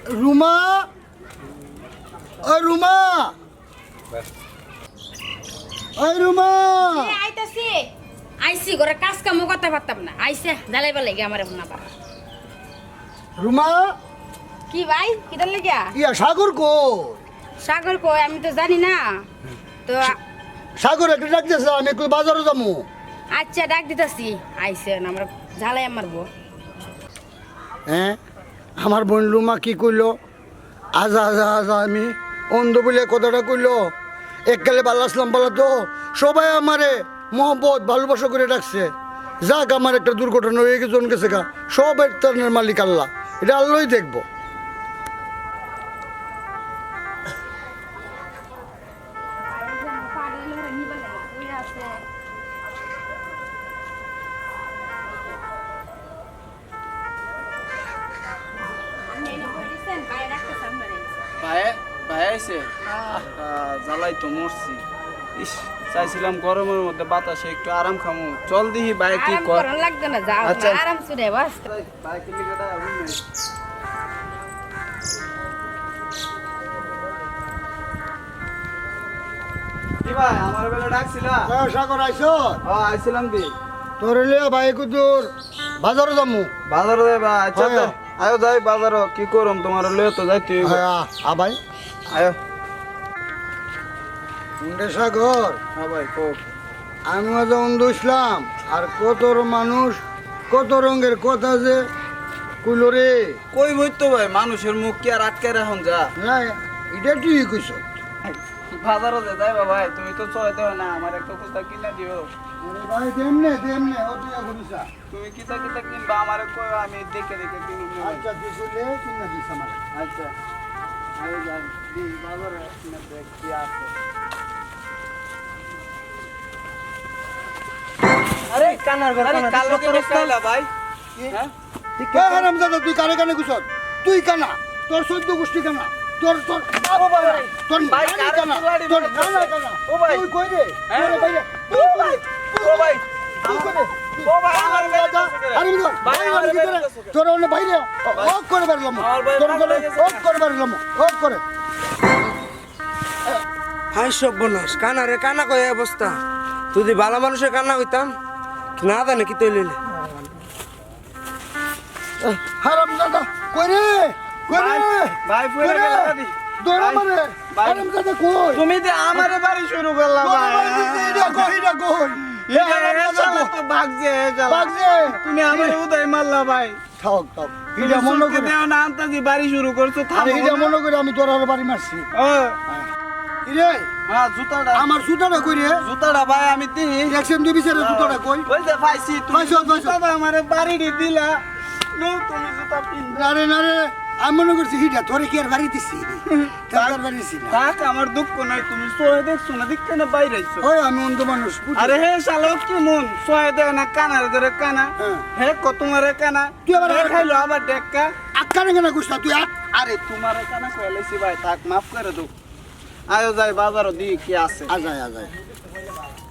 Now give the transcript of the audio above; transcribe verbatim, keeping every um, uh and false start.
রুমা ওই রুমা ওই রুমা আইতাছি আইসি ঘরে কাজ কামও করতে পারতাম না আইসে জ্বালাইবার লাগে আমার এখন আবার রুমা কি ভাই কিটার লাগিয়া ইয়া সাগর কো সাগর কই আমি তো জানি না তো সাগর একটা ডাকতেছে আমি একটু বাজারে যাবো আচ্ছা ডাক দিতাছি আইসে আমরা ঝালাই মারবো হ্যাঁ আমার বোন রুমা কি কইলো আজা আজা আজা আমি অন্ধ বলে কথাটা কইলো এককালে ভালো আসলাম বলা তো সবাই আমারে মহব্বত ভালোবাসা করে ডাকছে যাক আমার একটা দুর্ঘটনা হয়ে গেছে জন গেছে গা সব একটা মালিক আল্লাহ এটা আল্লাহই দেখবো ভাই ভাই আইছে জ্বালাই তো মরছি ইস চাইছিলাম গরমের মধ্যে বাতাসে একটু আরাম খামু চল দিহি ভাই কি আরাম কর করার লাগবে না যাও আচ্ছা। না আরাম সুরে বাস ভাই কি লিখাটা আমি কি ভাই আমার বেলা ডাকছিলা সাগর আইসো হ্যাঁ আইছিলাম দি তোর লিয়া ভাই কুদুর বাজারে যাবো বাজার যাই ভাই আচ্ছা হয়। তো আয়ো যাই বাজার কি করম তোমার লয়ে তো যাইতে হইব। হ্যাঁ আ ভাই আয়ো মুন্ডে সাগর হ্যাঁ ভাই কো আমি যখন দুসলাম আর কত মানুষ কত রঙের কথা যে কইলো রে কই বই তো ভাই মানুষের মুখ কি আর আটকে রাখুন যা না এটা তুই কইছ বাজারও যে যাইবা ভাই তুমি তো চয় দেও না আমার একটা কুস্তা কিনা দিও আরে ভাই দেমনে দেমনে ও তুই করিস তুমি কিতা কিতা কিনবা আমারে কই আমি দেখে দেখে কিনুম নে ভাই। আচ্ছা তুই কইলে কিনা দিস আমার আচ্ছা আরে যাই দি বাজারে কিনা দেখ কি আছে আরে কানার ঘর কানার কাল লোকে রসকাইলা ভাই হ্যাঁ এ হারামজাদা তুই কানে কানে কইছ তুই কানা তোর চোদ্দ গোষ্ঠী কানা তোর তোর ও ভাই তোর ভাই, নানি কারে কানা কুলাড়ি তোর মেরে নানা ধরছে। কানা ও ভাই। তুই কই রে হ্যাঁ? তুই ভাই ও ভাই ও ভাই তুই কই রে ও ভাই আমার বেলা গেছে কে? আরে বিদর ভাই, ভাই আমার কি বেলা করে গেছে কে? তোর ওনে বাইরে ওক করে বেরলাম আমার ভাই তোর বেলা করে গেছে ওক করে বেরলাম ওক করে হাই সব বনাস কানা রে কানা কয় এই অবস্থা তুই ভালো মানুষের কান্না হইতাম না জানে কি তুই লইলে হারামজাদা কই রে কই ভাই, রে ভাই, ফুয়েলে কই রে? গেলা দি। দৌড়া ভাই, মারে ভাই। হারামজাদা কই তুমি যে আমারে বাড়ি শুরু করলা তোর ভাই বাড়ি দিছে, এটা কই এটা কই এ শালা তো ভাগছে এ শালা। বাগজে তুমি আমারে উদয় মারলা ভাই থাক থাক তুমি এটা মনে চোখে করে দেও না আন্তাজি বাড়ি শুরু করছো আরে থামো এটা না। মনে করে আমি তোর আর বাড়ি মারছি ও, ইরে হ্যাঁ জুতাটা আমার সুতাটা কই রে জুতাটা ভাই আমি দিই দেখছেন তুই বিচারে সুতাটা কই ওই যে পাইছি তুমি পাইছো, পাইছো। জুতাটা আমারে বাড়ি দিলা নো তুমি জুতা পিন না রে না রে আমি মনে করছি হিটা তোরে কি আর বাড়ি দিছি তোর আর বাড়ি দিছি না থাক আমার দুঃখ নাই তুমি সোয়ে দেখছো না দেখতে না বাইরে আইছো ওই আমি অন্ধ মানুষ বুঝি। আরে হে শালা কি মন সোয়ে দেয় না কানার ধরে কানা হ্যাঁ। হে কত তোমারে কানা তুই আবার- হে খাইলো আবার ডেক্কা আক্কানে কেন কইছ তুই আট আরে তোমারে কানা কইলেছি ভাই থাক মাফ করে দাও আয়ো যাই বাজারও দি কি আছে আজায় আজায়